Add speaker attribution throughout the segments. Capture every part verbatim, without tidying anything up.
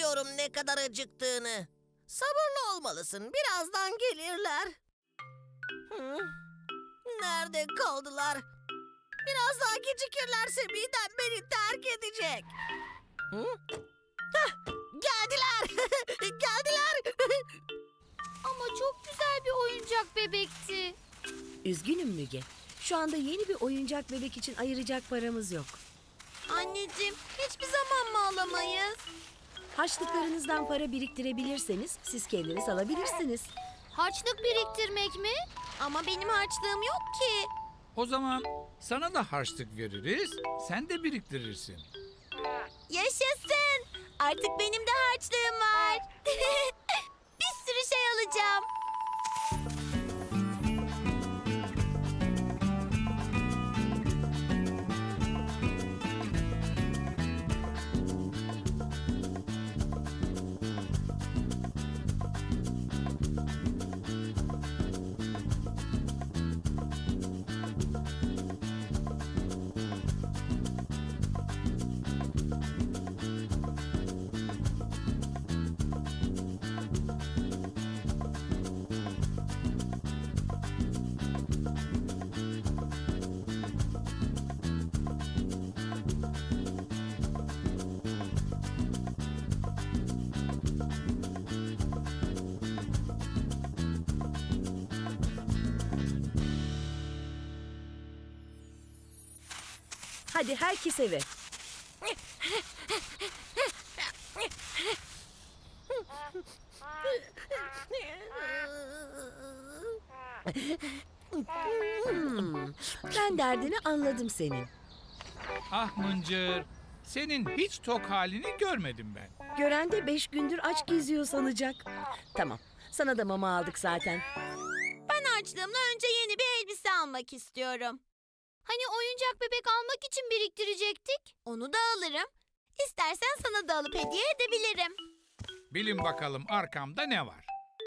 Speaker 1: Biliyorum ne kadar acıktığını. Sabırlı olmalısın. Birazdan gelirler. Hı? Nerede kaldılar? Biraz daha gecikirlerse midem beni terk edecek. Hı? Hah, geldiler. Geldiler.
Speaker 2: Ama çok güzel bir oyuncak bebekti.
Speaker 3: Üzgünüm Müge. Şu anda yeni bir oyuncak bebek için ayıracak paramız yok.
Speaker 2: Anneciğim, hiçbir zaman mı alamayız?
Speaker 3: Harçlıklarınızdan para biriktirebilirseniz siz kendiniz alabilirsiniz.
Speaker 2: Harçlık biriktirmek mi? Ama benim harçlığım yok ki.
Speaker 4: O zaman sana da harçlık veririz, sen de biriktirirsin.
Speaker 2: Yaşasın! Artık benim de harçlığım var. Bir sürü şey alacağım.
Speaker 3: Hadi herkes eve. Hmm, ben derdini anladım senin.
Speaker 4: Ah Mıncır, senin hiç tok halini görmedim ben.
Speaker 3: Gören de beş gündür aç geziyor sanacak. Tamam, sana da mama aldık zaten.
Speaker 2: Ben harçlığımla önce yeni bir elbise almak istiyorum. Hani oyuncak bebek almak için biriktirecektik? Onu da alırım. İstersen sana da alıp hediye edebilirim.
Speaker 4: Bilin bakalım arkamda ne var?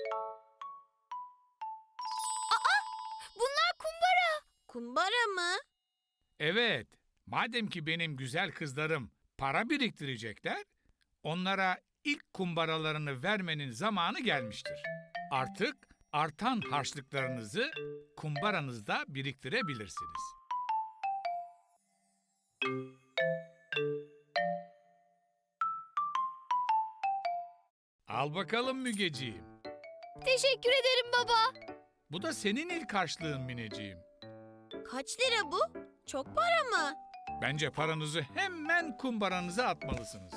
Speaker 2: Bunlar kumbara. Kumbara mı?
Speaker 4: Evet, madem ki benim güzel kızlarım para biriktirecekler, onlara ilk kumbaralarını vermenin zamanı gelmiştir. Artık artan harçlıklarınızı kumbaranızda biriktirebilirsiniz. Al bakalım Mügeciğim.
Speaker 2: Teşekkür ederim baba.
Speaker 4: Bu da senin ilk harçlığın Mineciğim.
Speaker 2: Kaç lira bu? Çok para mı?
Speaker 4: Bence paranızı hemen kumbaranıza atmalısınız.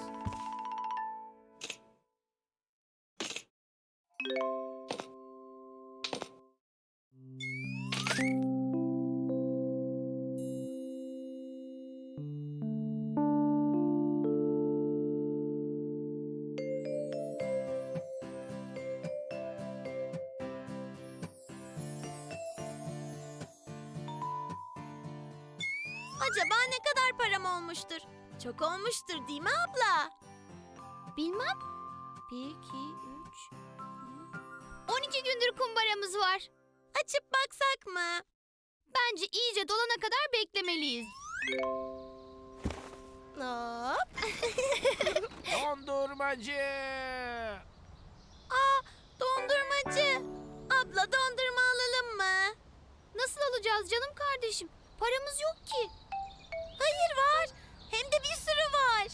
Speaker 2: Acaba ne kadar param olmuştur? Çok olmuştur değil mi abla? Bilmem. Bir, iki, üç... On iki gündür kumbaramız var. Açıp baksak mı? Bence iyice dolana kadar beklemeliyiz. Hop.
Speaker 1: Dondurmacı.
Speaker 2: Aa, dondurmacı. Abla dondurma alalım mı? Nasıl alacağız canım kardeşim? Paramız yok ki. Hayır var. Hem de bir sürü var.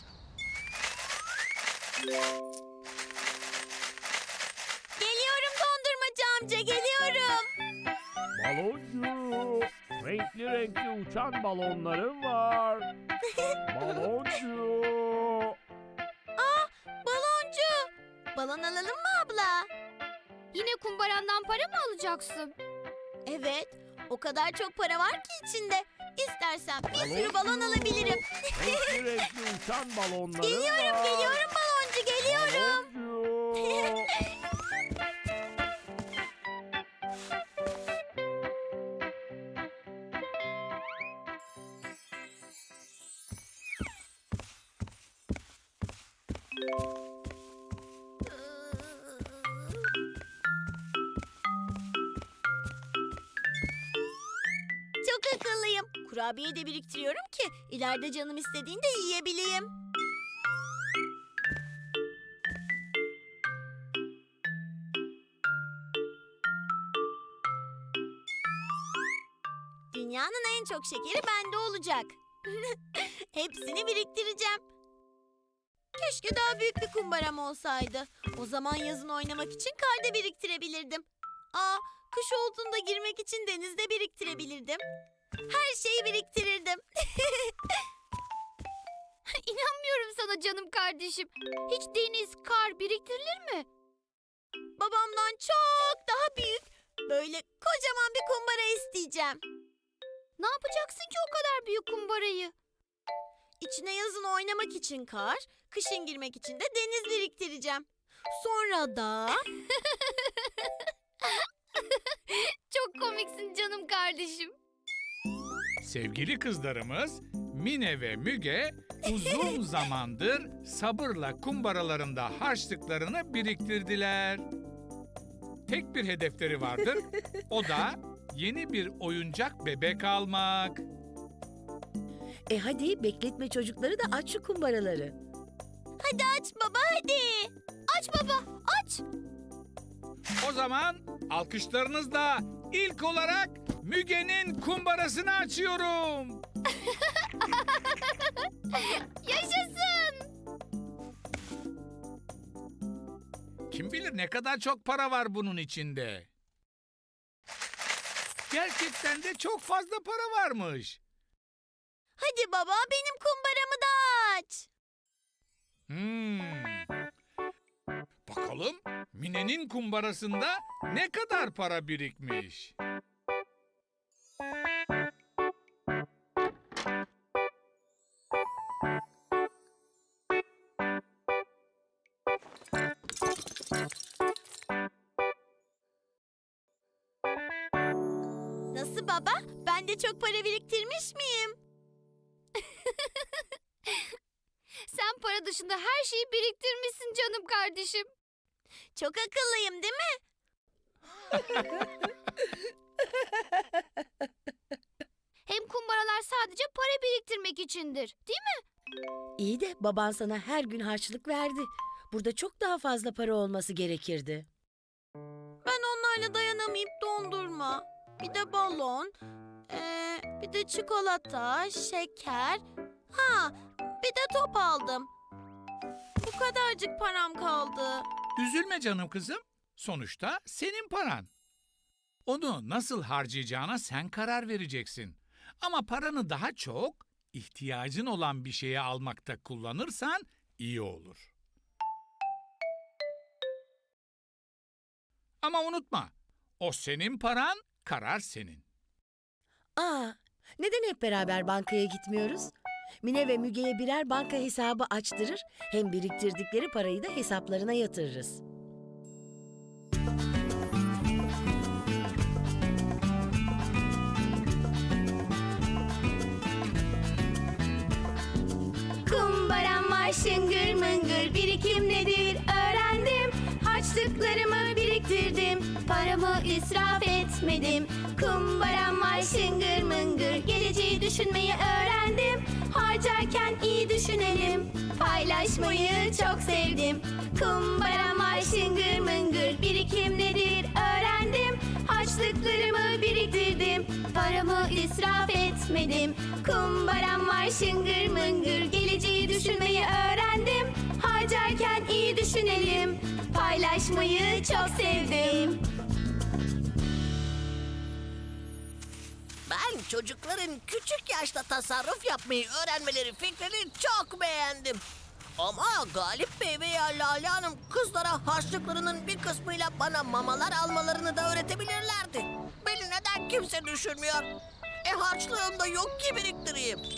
Speaker 2: Geliyorum dondurmacı amca, geliyorum.
Speaker 5: Baloncu, renkli renkli uçan balonlarım var. Baloncu.
Speaker 2: Aa, baloncu. Balon alalım mı abla? Yine kumbarandan para mı alacaksın? Evet. O kadar çok para var ki içinde. İstersen bir sürü balon alabilirim.
Speaker 5: Renkli renkli uçan balonlarım
Speaker 2: Geliyorum,
Speaker 5: var.
Speaker 2: geliyorum baloncu, geliyorum.
Speaker 5: Baloncu.
Speaker 2: Çok akıllıyım. Kurabiye de biriktiriyorum ki ileride canım istediğinde yiyebileyim. Dünyanın en çok şekeri bende olacak. Hepsini biriktireceğim. Keşke daha büyük bir kumbaram olsaydı. O zaman yazın oynamak için kar da biriktirebilirdim. Aa, kış olduğunda girmek için denizde biriktirebilirdim. Her şeyi biriktirirdim. İnanmıyorum sana canım kardeşim. Hiç deniz, kar biriktirilir mi? Babamdan çok daha büyük, böyle kocaman bir kumbara isteyeceğim. Ne yapacaksın ki o kadar büyük kumbarayı? İçine yazın oynamak için kar, kışın girmek için de deniz biriktireceğim. Sonra da... Çok komiksin canım kardeşim.
Speaker 4: Sevgili kızlarımız Mine ve Müge uzun zamandır sabırla kumbaralarında harçlıklarını biriktirdiler. Tek bir hedefleri vardır. O da yeni bir oyuncak bebek almak.
Speaker 3: E hadi bekletme çocukları da aç şu kumbaraları.
Speaker 2: Hadi aç baba hadi. Aç baba aç.
Speaker 4: O zaman alkışlarınızla ilk olarak Müge'nin kumbarasını açıyorum.
Speaker 2: Yaşasın.
Speaker 4: Kim bilir ne kadar çok para var bunun içinde. Gerçekten de çok fazla para varmış.
Speaker 2: Hadi baba benim kumbaramı da aç.
Speaker 4: Hmm. Bakalım Mine'nin kumbarasında ne kadar para birikmiş?
Speaker 2: Nasıl baba? Ben de çok para biriktirmiş miyim? Sen para dışında her şeyi biriktirmişsin canım kardeşim. Çok akıllıyım değil mi? Hem kumbaralar sadece para biriktirmek içindir, değil mi?
Speaker 3: İyi de baban sana her gün harçlık verdi. Burada çok daha fazla para olması gerekirdi.
Speaker 2: Ben onlarla dayanamayıp dondurma, bir de balon, ee, bir de çikolata, şeker, ha bir de top aldım. Bu kadarcık param kaldı.
Speaker 4: Üzülme canım kızım. Sonuçta senin paran. Onu nasıl harcayacağına sen karar vereceksin. Ama paranı daha çok ihtiyacın olan bir şeye almakta kullanırsan iyi olur. Ama unutma, o senin paran, karar senin.
Speaker 3: Aa, neden hep beraber bankaya gitmiyoruz? Mine ve Müge'ye birer banka hesabı açtırır, hem biriktirdikleri parayı da hesaplarına yatırırız.
Speaker 2: Kumbaram var şıngır mıngır, birikim nedir öğrendim. Harçlıklarımı biriktirdim, paramı israf etmedim. Kumbaram var şıngır mıngır, geleceği düşünmeyi öğrendim. Harcarken iyi düşünelim, paylaşmayı çok sevdim. Kumbaram var şıngır mıngır, birikim nedir öğrendim. Harçlıklarımı biriktirdim, paramı israf etmedim. Kumbaram var şıngır mıngır, geleceği düşünmeyi öğrendim. Harcarken iyi düşünelim, paylaşmayı çok sevdim.
Speaker 1: Ben çocukların küçük yaşta tasarruf yapmayı öğrenmeleri fikrini çok beğendim. Ama Galip Bey veya Lale Hanım kızlara harçlıklarının bir kısmıyla bana mamalar almalarını da öğretebilirlerdi. Beni neden kimse düşünmüyor? E harçlığım da yok ki biriktireyim.